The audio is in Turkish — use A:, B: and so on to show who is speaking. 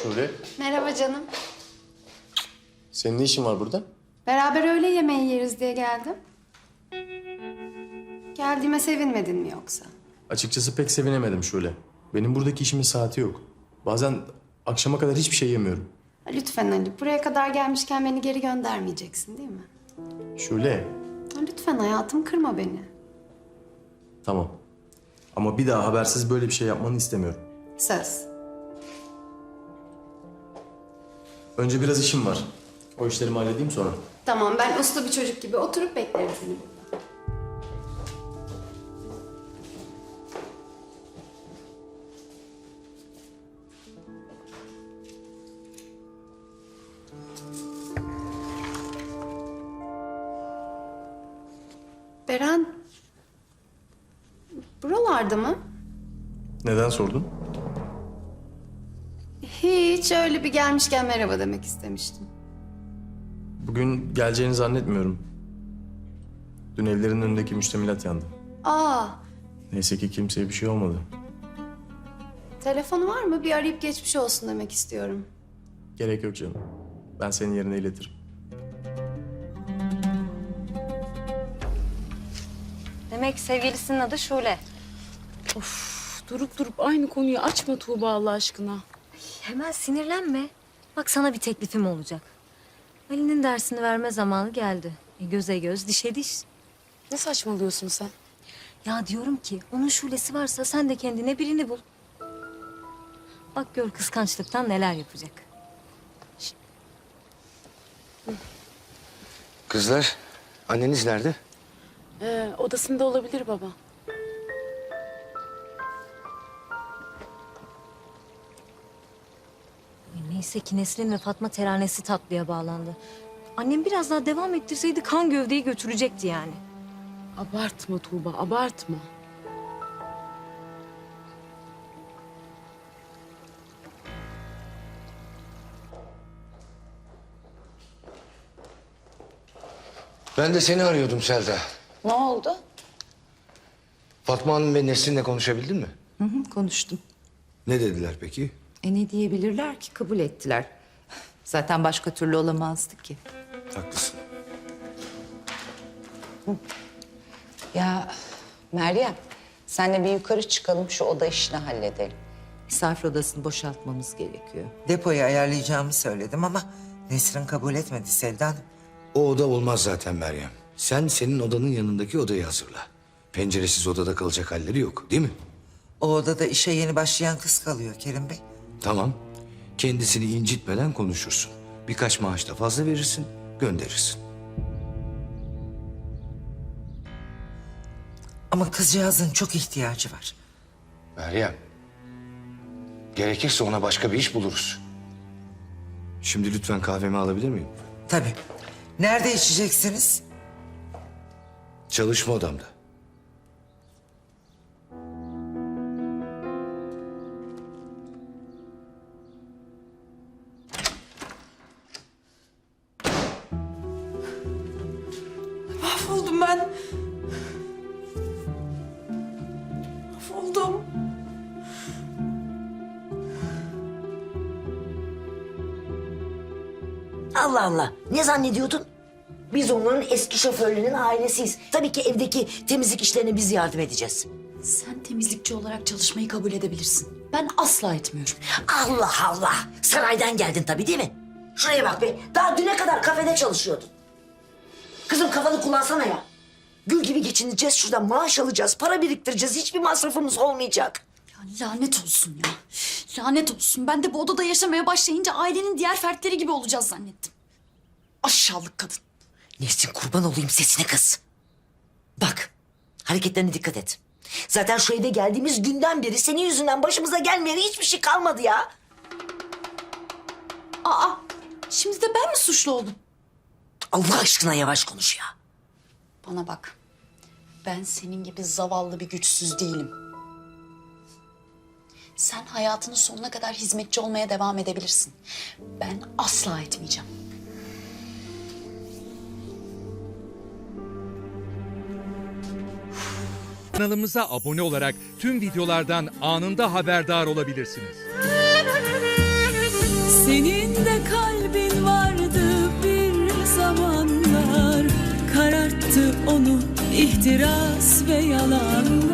A: Şule,
B: Merhaba canım.
A: senin ne işin var burada?
B: Beraber öğle yemeği yeriz diye geldim. Geldiğime sevinmedin mi yoksa?
A: Açıkçası pek sevinemedim Şule. Benim buradaki işimin saati yok. Bazen akşama kadar hiçbir şey yemiyorum.
B: Lütfen Ali, buraya kadar gelmişken beni geri göndermeyeceksin değil mi?
A: Şule,
B: Lütfen hayatım, kırma beni.
A: tamam. Ama bir daha habersiz böyle bir şey yapmanı istemiyorum.
B: Söz.
A: Önce biraz işim var. O işlerimi halledeyim sonra.
B: Tamam, ben uslu bir çocuk gibi oturup beklerim seni burada. Beren, buralarda mı?
A: Neden sordun?
B: Hiç, öyle bir gelmişken merhaba demek istemiştim.
A: Bugün geleceğini zannetmiyorum. Dün evlerin önündeki müştemilat yandı.
B: Aa,
A: Neyse ki kimseye bir şey olmadı.
B: telefonu var mı? Bir arayıp geçmiş olsun demek istiyorum.
A: Gerek yok canım. Ben senin yerine iletirim.
C: Demek sevgilisinin adı Şule.
D: Durup durup aynı konuyu açma Tuğba Allah aşkına.
C: Hemen sinirlenme. Bak sana bir teklifim olacak. Ali'nin dersini verme zamanı geldi. Göze göz, dişe diş.
D: Ne saçmalıyorsun sen?
C: Ya diyorum ki onun Şule'si varsa sen de kendine birini bul. Bak gör kıskançlıktan neler yapacak.
E: Kızlar, anneniz nerede?
D: Odasında olabilir baba.
C: Neyse ki Nesrin ve Fatma teranesi tatlıya bağlandı. Annem biraz daha devam ettirseydi kan gövdeyi götürecekti yani.
D: Abartma Tuğba, abartma.
E: Ben de seni arıyordum Selda.
F: Ne oldu?
E: Fatma Hanım ve Nesrin'le konuşabildin mi?
F: Konuştum.
E: Ne dediler peki?
F: Ne diyebilirler ki? Kabul ettiler. Zaten başka türlü olamazdı ki.
E: Haklısın.
F: Ya Meryem, senle bir yukarı çıkalım, şu oda işini halledelim. Misafir odasını boşaltmamız gerekiyor.
G: Depoyu ayarlayacağımı söyledim ama Nesrin kabul etmedi Selda Hanım.
E: O oda olmaz zaten Meryem. Sen senin odanın yanındaki odayı hazırla. Penceresiz odada kalacak halleri yok, değil mi?
G: O odada işe yeni başlayan kız kalıyor Kerim Bey.
E: Tamam. Kendisini incitmeden konuşursun. Birkaç maaş da fazla verirsin, gönderirsin.
G: Ama kızcağızın çok ihtiyacı var.
E: Meryem, gerekirse ona başka bir iş buluruz. Şimdi lütfen kahvemi alabilir miyim?
G: Tabii. Nerede içeceksiniz?
E: Çalışma odamda.
H: Mahvoldum ben. Mahvoldum.
I: Allah Allah. Ne zannediyordun? Biz onların eski şoförlerinin ailesiyiz. Tabii ki evdeki temizlik işlerine biz yardım edeceğiz.
H: Sen temizlikçi olarak çalışmayı kabul edebilirsin. Ben asla etmiyorum.
I: Allah Allah. Saraydan geldin tabii değil mi? Şuraya bak be. Daha düne kadar kafede çalışıyordun. Kızım kafanı kullansana ya. Gül gibi geçineceğiz şuradan. Maaş alacağız, para biriktireceğiz. Hiçbir masrafımız olmayacak.
H: Ya lanet olsun ya. Lanet olsun. Ben de bu odada yaşamaya başlayınca ailenin diğer fertleri gibi olacağız zannettim. Aşağılık kadın.
I: Nesrin kurban olayım sesine kız. Bak, hareketlerine dikkat et. Zaten şu eve geldiğimiz günden beri senin yüzünden başımıza gelmeyen hiçbir şey kalmadı ya.
H: Aa, şimdi de ben mi suçlu oldum?
I: Allah aşkına yavaş konuş ya.
H: Bana bak. Ben senin gibi zavallı bir güçsüz değilim. Sen hayatının sonuna kadar hizmetçi olmaya devam edebilirsin. Ben asla etmeyeceğim.
J: Kanalımıza abone olarak tüm videolardan anında haberdar olabilirsiniz.
K: Senin de kalbin vardı bir zamanlar, kararttı onu ihtiras ve yalanlar.